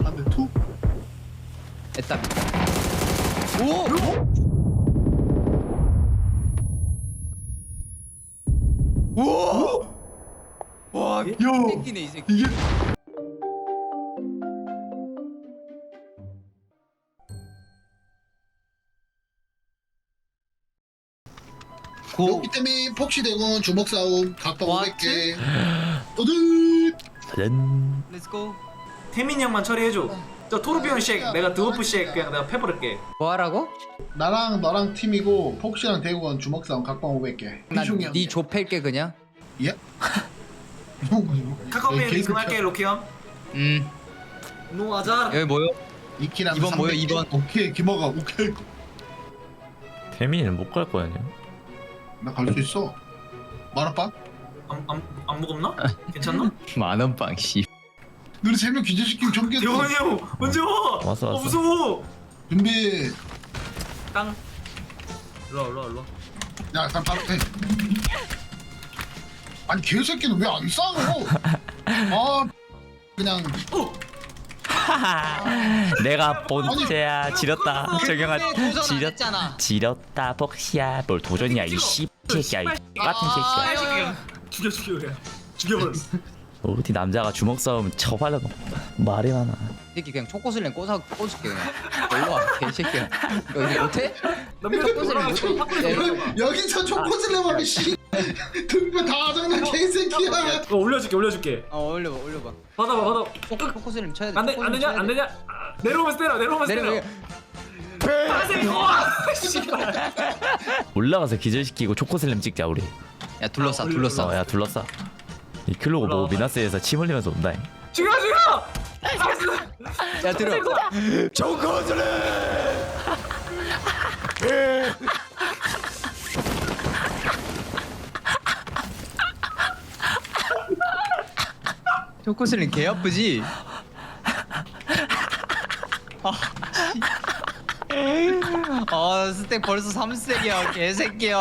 안돼 투. 됐다. 오! 우와! 와, 야 새끼네 이 새끼. 이게 고. 여기 때문에 폭시대군 주먹 싸움 각각 What? 500개. 어들. 짜잔. 렛츠고. 태민이 형만 처리해줘. 저 토르비온 쉑 내가 드워프 쉑 그냥 내가 패버릴게. 뭐 하라고? 나랑 너랑 팀이고 폭시랑 대구건 주먹 싸움 각각 500개. 난네 좁힐게 그냥. 예? 카카오메일 입금할게 로키 형. 노아자. 여기 뭐요? 이키랑 이번 뭐야, 300개? 이번? 오케이 김어가 오케이. 태민이는 못 갈 거 아니야? 나 갈 수 있어. 만화빵? 안 무겁나? 괜찮나? 만원 빵 씨. 너네 3명 기절시키면 전개. 대원이 형 언제 와? 왔어. 무서워. 준비. 땅. 일로. 야 일단 바로 해. 아니 개새끼는 왜 안 싸워? 아 그냥 내가 본체야. 지렸다. 정영아 도전했잖아. 지렸다. 복시야. 뭘 도전이야 이 씨 새끼야. 이 같은 새끼야. 죽여 그냥. 죽여버려. 어디 남자가 주먹 싸움 쳐발려 말이 많아. 이 새끼 그냥 초코슬램 꽂을게 그냥. 일로 와 개새끼야. 너 이거 못해? 초코슬램 못해? 여기서 초코슬레머리 씨 등뼈 다 장난 개새끼야. 올려줄게. 올려봐. 받아. 초코슬램 쳐야 돼. 안 되냐? 내려오면서 때려. 올라가서 기절시키고 초코슬램 찍자 우리. 야 둘러싸. 야 둘러싸. 이 클로고 보고 올라와봐. 미나스에서 침 흘리면서 온다. 죽여. 야 들어. 초코슬램. 초코슬램 개 아프지? 스택 벌써 3스택이야 개새끼야.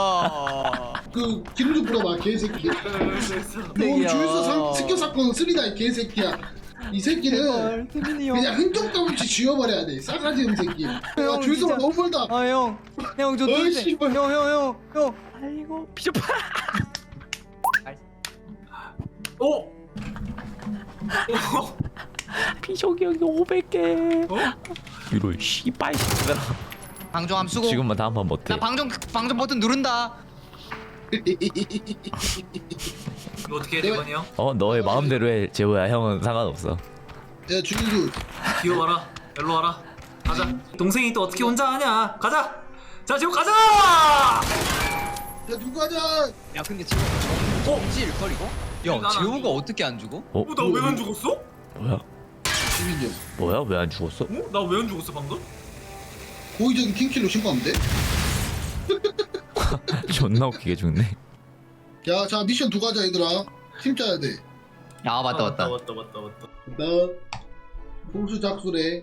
그 기름 좀 불어봐 개새끼. 너 주유소 습격 사건 쓰리다 이 개새끼야. 이 새끼는 그냥 흔적도 없이 지워버려야 돼. 싸가지 없는 새끼. 야 주유소가 너무 멀다. 형 저 어이, 누군데? 씨발. 형. 아이고 비좁아. 오. 비속이 여기 500개. 어? 이런 씨발. 방종함 수고. 지금만 다음번 못해. 나 방종 버튼 누른다. 이거 어떻게 해 대건이 형? 너의 마음대로 해 재호야. 형은 상관없어. 야 주유소. 기어와라. 일로 와라. 가자. 동생이 또 어떻게 혼자 하냐? 가자. 자 지금 가자. 어? 야 누구 하자. 야 근데 지금 정지일 걸 이거? 야 난 재호가 어떻게 안 죽어? 나 왜 안 죽었어? 뭐야? 주민정. 뭐야? 왜 안 죽었어? 나 왜 안 죽었어 방금? 고의적인 킹킬로 신고하면 돼. 존나 웃기게 죽네. 야, 자 미션 두 가자 얘들아. 팀 짜야 돼. 야 맞다. 나 공수 작술에.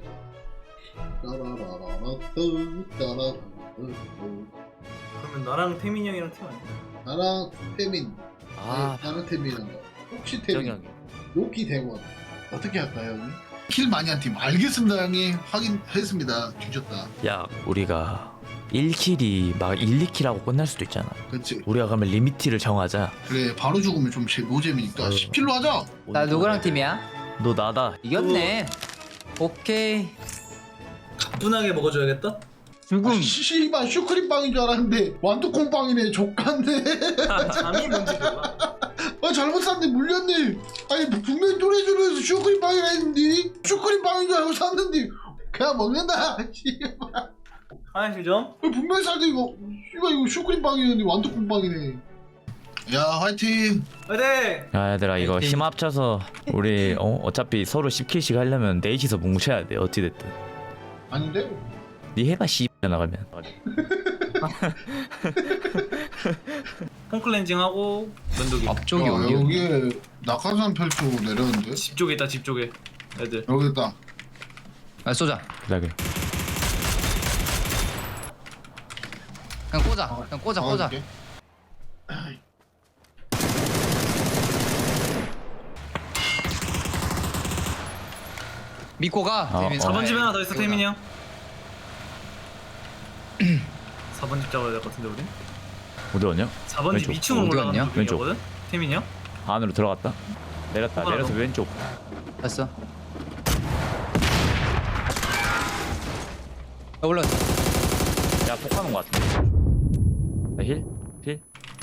그러면 나랑 태민이 형이랑 팀 아니야? 나랑 태민. 아, 나는 태민이란다. 혹시 태민. 정혁이. 로키 대원. 어떻게 할까요, 형님? 킬 많이 한 팀. 알겠습니다, 형님. 확인했습니다. 뒤졌다. 야, 우리가 1킬이 막 1, 2킬하고 끝날 수도 있잖아. 그렇지. 우리가 그러면 리미티를 정하자. 그래, 바로 죽으면 좀 노잼이니까 10킬로 하자. 나 누구랑 팀이야? 너 나다. 이겼네. 오케이. 가뿐하게 먹어줘야겠다. 죽음. 씨발 슈크림 빵인 줄 알았는데 완두콩 빵이네. 족간데. 잠이 뭔지 몰라. 잘못 샀네. 물렸네. 아니 분명히 또래주로해서 슈크림 빵이라 했는데 슈크림 빵인 줄 알고 샀는데 그냥 먹는다. 씨발. 화장실 좀. 분명히 살때 이거 씨발 이거 슈크림 빵이었는데 완두콩 빵이네. 야 화이팅. 화이팅. 야, 얘들아 이거 힘 합쳐서 우리 어차피 서로 10킬씩 하려면 넷이서 뭉쳐야 돼. 어찌 됐든. 아닌데? 니 해봐 씨 나가면. 홈클렌징하고 면도기. 앞쪽이 야, 어디야? 여기에 낙하산 펼쳐 내렸는데? 집 쪽에 있다 집 쪽에. 애들. 여기 있다. 아 쏘자. 그래. 그냥 꽂아. 막아줄게. 믿고 가. 태민이. 4번 집에 하나 더 있어 태민이 형. 4번 집 잡아야 될 것 같은데 우리? 어디 왔냐? 4번 집 왼쪽. 2층으로 어디 올라가는 갔냐? 중이거든? 태민이 형? 안으로 들어갔다. 내렸다. 내려서 왼쪽. 봤어. 올라. 야 폭하는 거 같은데. 나 힐? 힐?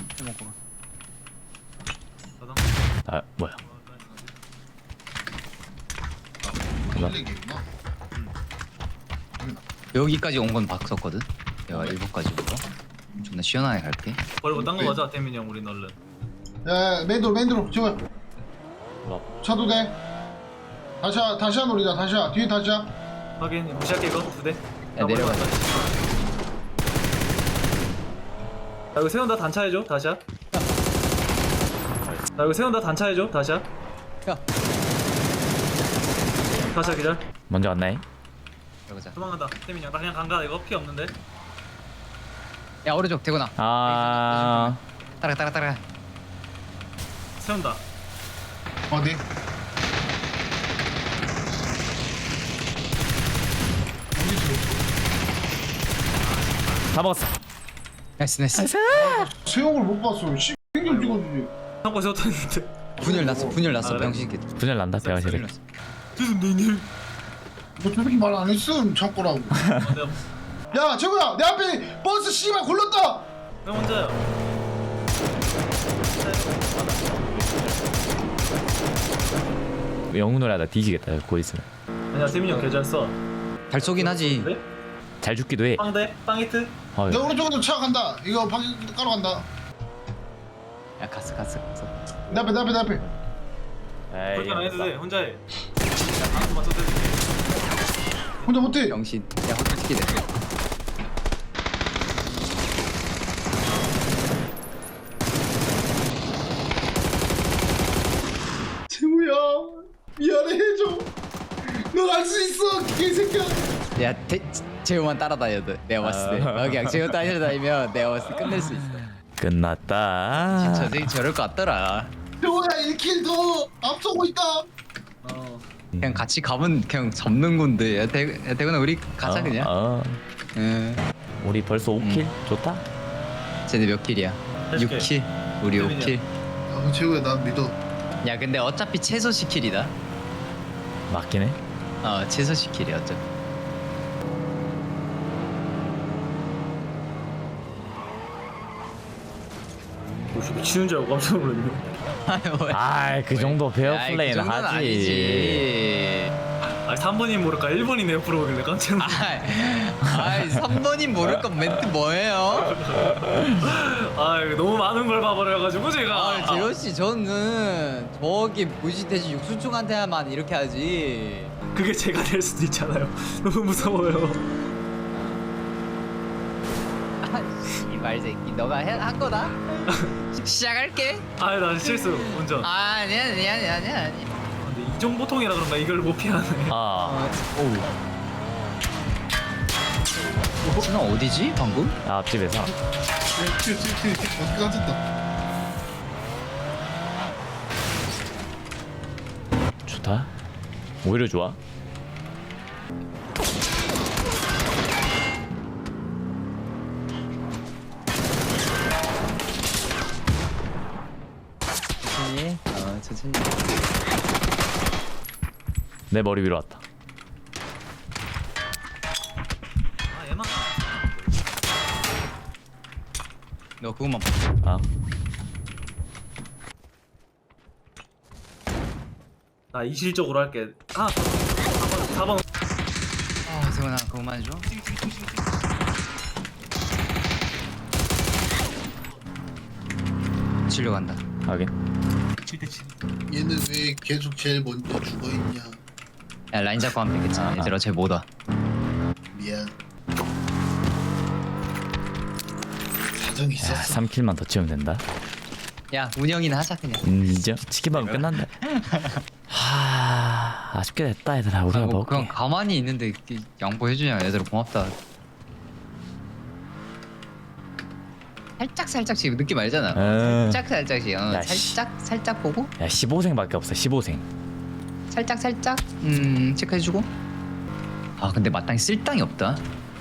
가자. 아 뭐야? 힐링이구나. 여기까지 온 건 봤었거든. 내가 1번까지 온 거. 존나 시원하게 갈게. 버리고 딴 거 가자 태민이 형 우린 얼른. 야 맨드로 지호야. 차도 돼. 다시야 노리자. 다시야 뒤에 다시야. 확인 무시할게 이거 2대. 야, 내려가자. 야 이거 세운다 단차 해줘 다시야. 야 이거 세운다 단차 해줘 다시야. 야. 다시야 기절. 먼저 왔나해? 들어가자. 도망간다 태민이 형. 나 그냥 간다 이거 피 없는데. 야 오른쪽 대구나. 아 따라. 세운다. 어디? 다 먹었어. 나이스. 세영을 못 봤어. 씨, 좀 찍어주지. 한거 세웠다 했는데. 분열 났어. 아, 그래? 병신끼. 분열 난다 대화 분열 세대. 났어. 죄송해요. 뭐 저렇게 말 안 했음 참고라고. 야 최고야 내 앞에 버스 씨발 굴렀다. 형 혼자야. 영웅 노래 하다 뒤지겠다. 곧 있으면. 아니야 태민이 형 개잘 써. 잘 쏘긴 하지. 네? 잘 죽기도 해. 빵대? 빵히트? 어, 내 오른쪽으로 차 간다. 이거 방금 까러 간다. 야 갔어. 내 앞에. 에이, 그렇게 안 해도 돼 혼자 해. 나 방금 맞춰도 돼. 혼자 못해. 병신. 야 호텔 시키네. 재우야 미안해 해줘. 넌 알 수 있어 개새끼야. 야 재우만 따라다녀도 내가 봤을 때. 너 그냥 재우 따라다니면 내가 봤을 때 끝낼 수 있어. 끝났다. 저 새끼 저럴 것 같더라. 재우야 1킬 더 앞서고 있다. 어. 그냥 같이 가면 그냥 접는 건데. 야 대구나 우리 가자 그냥. 응. 우리 벌써 5킬? 좋다. 쟤네 몇 킬이야? 해줄게. 6킬. 우리 태민이야. 5킬. 아 재우야 난 믿어. 야 근데 어차피 최소 10킬이다. 맞긴 해. 최소 10킬이야 어차피. 혹시 미치는 줄 알고 깜짝 놀랐네. 아이 그 정도 베어 야, 그 플레이는 정도는 하지. 아니지. 아니 3번이 모를까 1번이네 옆으로 오길래 깜짝 놀랐네. 아이 3번님 모를 건 멘트 뭐예요? 아 이거 너무 많은 걸 봐버려가지고 제가. 재호씨 저는 저기 무시돼지 육수충한테만 이렇게 하지. 그게 제가 될 수도 있잖아요. 너무 무서워요. 이말 새끼 너가 한 거다? 시작할게. 아니 나 실수 운전. 아니야. 근데 이정보통이라 그런가 이걸 못 피하네. 아, 너 어디지 방금? 앞집에서. 튀어 어떻게 가졌다. 좋다. 오히려 좋아. 천천히. 내 머리 위로 왔다. 아 얘만. 너 그것만 봐. 아, 나 이실적으로 할게. 아 4번. 세훈아 그것만 해줘. 치료 간다. 하긴. 7대7. 얘는 왜 계속 제일 먼저 죽어 있냐. 야 라인 잡고 하면 되겠지. 얘들아 쟤 뭐다. 미안. 사정이 야, 있었어. 3킬만 더 치우면 된다. 야 운영이나 하자 그냥. 인정. 치킨 먹으면 끝난다. 하, 아쉽게 됐다 얘들아. 우리가 뭐 그냥 먹을게. 가만히 있는데 양보해주냐. 얘들아 고맙다. 살짝씩 느낌 알잖아. 살짝씩 야, 살짝 보고. 야 15생밖에 없어. 15생. 살짝 체크해주고. 아 근데 마땅히 쓸 땅이 없다.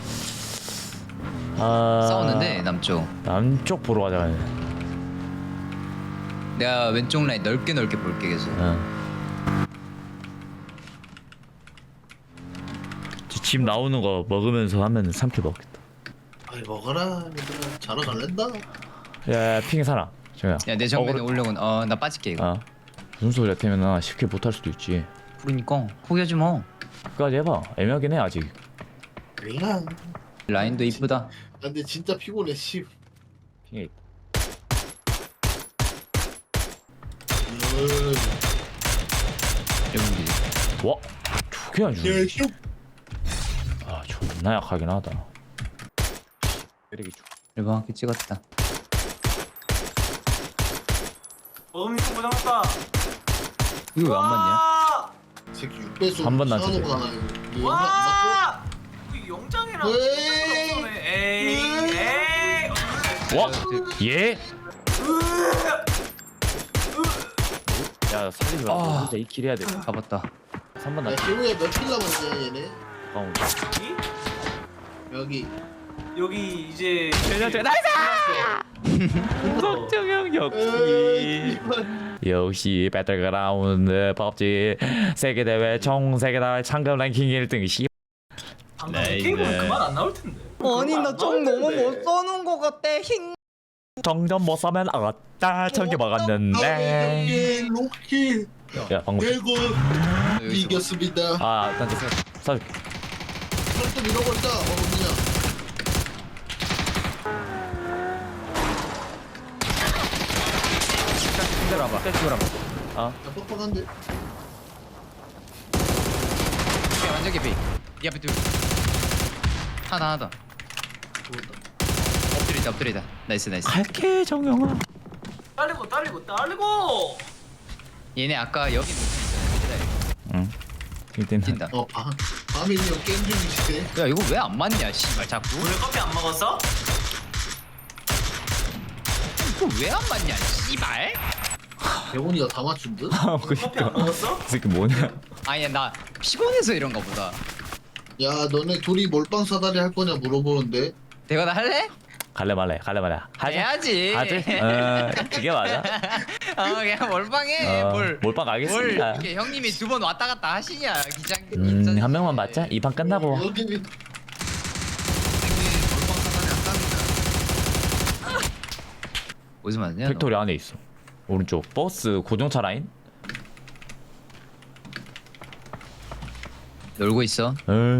아 싸우는데 남쪽. 남쪽 보러 가자. 내가 왼쪽 라인 넓게 볼게 계속. 집 나오는 거 먹으면서 하면 3킬 먹겠다. 아이 먹어라 얘들아 자러 갈랜다. 야 핑이 살아. 정야. 야내 정면에 오려고. 나 빠질게 이거. 무슨 소리야 태면아 10킬 못할 수도 있지. 그러니까 포기하지 뭐. 끝까지 해봐. 애매하긴 해 아직. 그냥. 라인도 이쁘다. 근데 진짜 피곤해 씨. 핑이 여기. 와 저게 안 죽네. 슉. 아 존나 약하긴 하다. 때리기 쭉. 1번 학기 찍었다. 어금니 고장났다. 이거 왜 안 맞냐? 와! 새끼 6배속 한번 낮춰줘. 와! 그 영장이랑 에이. 없네. 에이. 와 예? 야 살리지 마. 아. 진짜 2킬 해야 돼. 잡았다. 3번 야 나. 세우야 몇킬 남았냐 얘네. 가운. 여기. 여기 이제 정영 역시 역시 배틀그라운드 법지 세계대회 총 세계대회 상금 랭킹 1등 씨. 방금 네, 게임은 네. 그만 안 나올 텐데. 아니 나 좀 너무 못 써는 거 같아. 정전 못 사면 아따 천개 먹었는데. 여기 로키 야 방금 대구 이겼습니다. 아 일단 사 좀 잃어버리자 어금니야. 힘들어봐. 빼주라고. 아 야 뻑뻑한데. 완전 개피. 이 앞에 둘. 하나 더. 엎드리다. 나이스. 갈게 정영아. 딸리고. 얘네 아까 여기 놓쳐 응. 이때는 뛴다. 밤이 형 게임 중이시대. 야 이거 왜 안 맞냐 씨발 자꾸. 오늘 커피 안 먹었어? 이거 왜 안 맞냐 씨발. 대본이가 다 맞춘 듯? 아 커피 안 그니까 먹었어? 이 새끼 뭐냐. 아니 나 피곤해서 이런가 보다. 야 너네 둘이 몰빵 사다리 할 거냐 물어보는데. 내가 나 할래? 갈래 말래 하자. 해야지. 하지? 그게 맞아. 그냥 몰빵해. 몰빵 뭘 알겠습니다. 이렇게 형님이 2번 왔다 갔다 하시냐 기장. 한 명만 맞자. 이 판 끝나고. 여기 몰빵 사다리 안 깝니다. 어디서 맞냐? 팩토리 안에 있어. 오른쪽 버스 고정차 라인. 놀고 있어.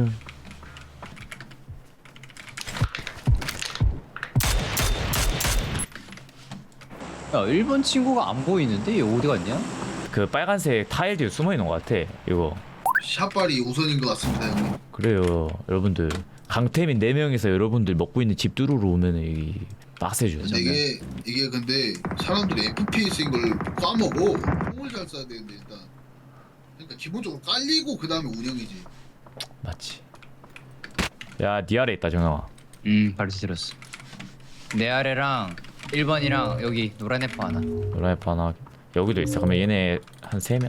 야 1번 친구가 안 보이는데 얘 어디 갔냐? 그 빨간색 타일 뒤에 숨어 있는 것 같아. 이거. 샷발이 우선인 것 같습니다 형님. 그래요, 여러분들. 강태민 4명이서 여러분들 먹고 있는 집 뚜루로 오면은 이 빡세죠. 근데 이게 근데 사람들이 FPS인 걸 까먹어. 총을 잘 쏴야 되는데 일단. 그러니까 기본적으로 깔리고 그 다음에 운영이지. 맞지. 야, 니 아래 있다 정영아. 바로 들었어. 내 아래랑 1번이랑 여기 노란 애퍼 하나. 라이프 하나. 여기도 있어. 그러면 얘네 한 3명.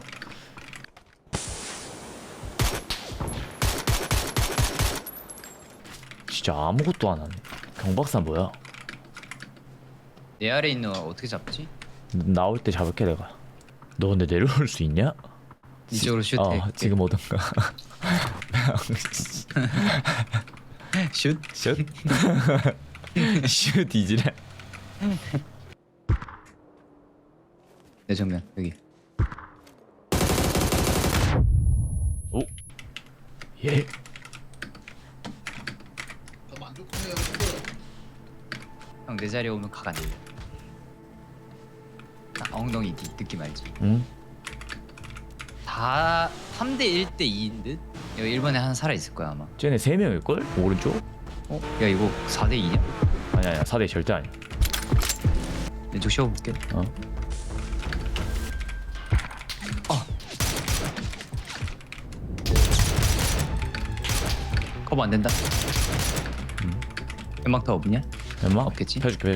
진짜 아무것도 안 하네. 경박사 뭐야? 내 아래 있는 거 어떻게 잡지? 나올 때 잡을게 내가. 너 근데 내려올 수 있냐? 이쪽으로 슛해. 지금 오던가. 슛? 슛? 슛 이지래. 내 정면 여기. 오. 예. 더 만족해요. 형 내 자리에 오면 각 안 들려. 딱 엉덩이 뒤 느낌 알지? 응? 다 3대 1대 2인 듯? 여기 1번에 하나 살아있을 거야 아마. 쟤네 3명일걸? 오른쪽? 어? 야 이거 4대 2냐? 아니야 4대 절대 아니야. 왼쪽 씌워볼게. 어? 커버 안 된다. 연막 더 없냐? 엄마? 없겠지? 펴줄게.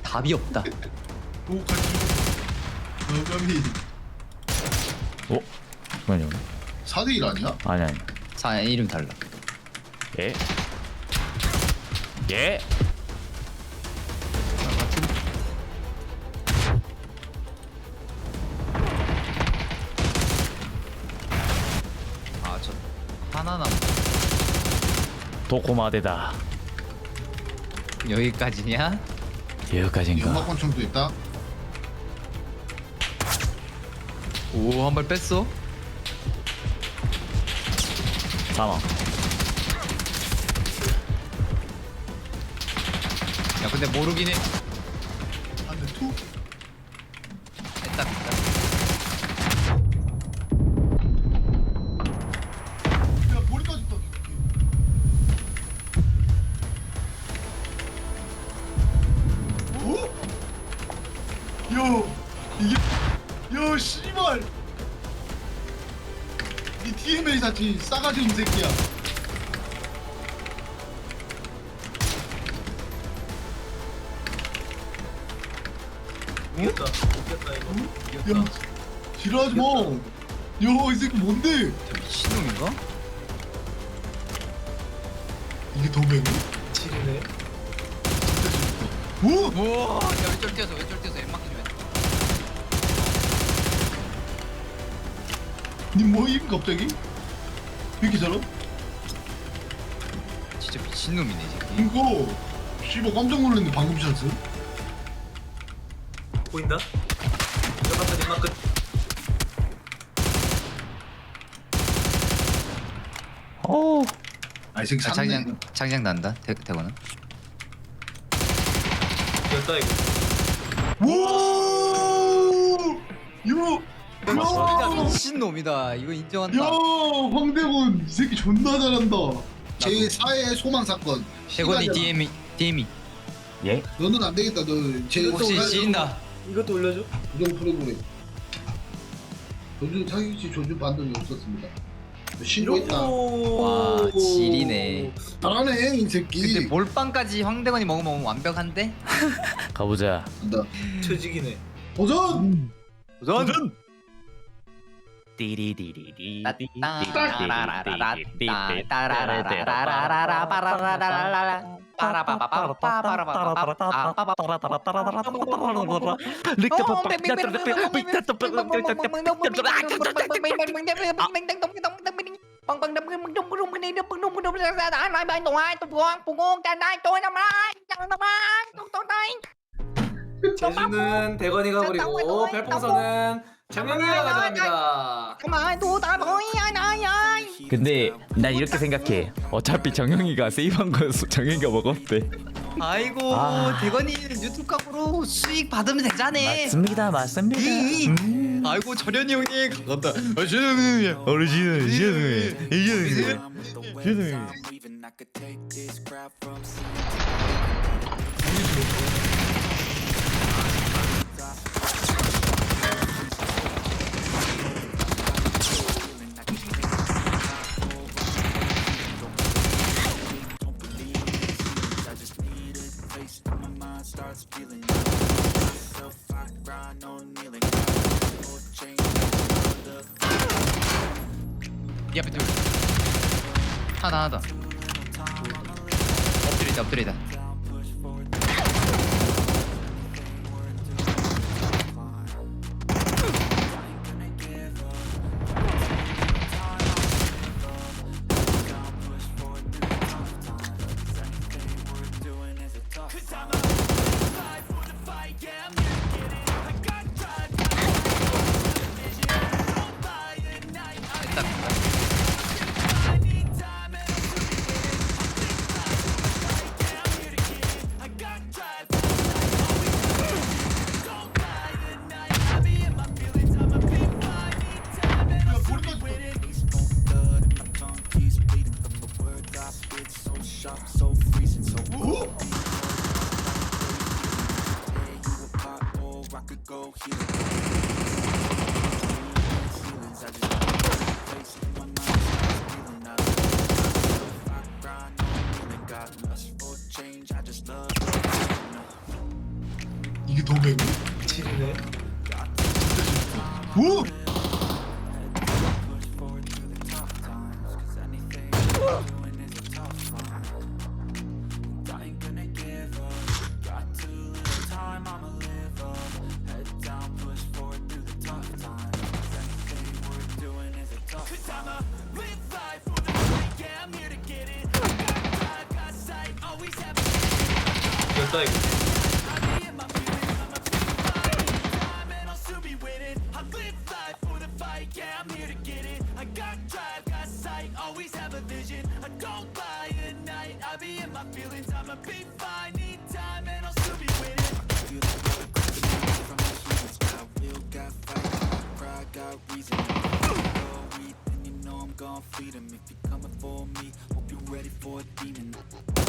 답이 없다. 오 같이 여감이 어? 잠깐만요. 4대1 아니야? 아니. 사 이름 달라. 예? 예? 아 저 하나 남. 도코마데다. 여기까지냐? 여기까지인가? 연막권총도 있다. 오 한 발 뺐어. 사망. 야 근데 모르긴 해. 안돼 투. 됐다 됐다. 야 머리까지 떠. 오? 야 이게 야 씨발. 이 DMA 자체 싸가지 없는 새끼야. 이겼다 이거. 야 지랄하지 마. 야이 새끼 뭔데? 저 미친놈인가? 이게 더 매워? 지리네. 오? 우와 야 왼쪽 뛰어서 엠마키 좀 해. 니 뭐임 갑자기? 왜 이렇게 잘함? 진짜 미친놈이네 이 새끼. 이거 씨발 깜짝 놀랐네 방금 샷은. 보인다? 들어갔다 뒷막 끝. 오. 아 이 새끼 아, 샀네. 장장 난다 대거는. 이겼다 이거. 와! 야! 미친놈이다. 이거 인정한다. 야! 황대곤 이 새끼 존나 잘한다. 제 4의 소망 사건. 대건이 시간이야. DM이 예? 너는 안 되겠다. 너제 혹시 지린다. 이것도 올려줘. 우정 프로그램. 조준 사기치 조준 반동이 없었습니다. 신고했다. 와, 지리네. 잘하네 이 새끼. 근데 몰빵까지 황대건이 먹으면 완벽한데? 가보자. 간다. 최직이네. 도전! 도전! 띠리디리디. 제주는 대건이가 부리고 별풍선은 정영이가 가져갑니다. 근데 난 이렇게 생각해. 어차피 정영이가 세이브한 거였어. 정영이가 먹었대. 아이고 아. 대건이 유튜브 각으로 수익 받으면 되자네. 맞습니다. 아이고 절연이 형님 감사합니다. 어르신. Leaving, I could take this crowd from starts feeling myself, I grind on kneeling. Change 이 앞에 둘. 하나 더. 엎드리다. so freezing, so tear you apart, or I could go healing. Feelings, I just face it, my mind starts feeling out of myself, I grind on healing, got lust for change, I just love 이게 더 매워? 미치겠네. 오! 됐다 이거. Feed 'em if you're coming for me. Hope you're ready for a demon.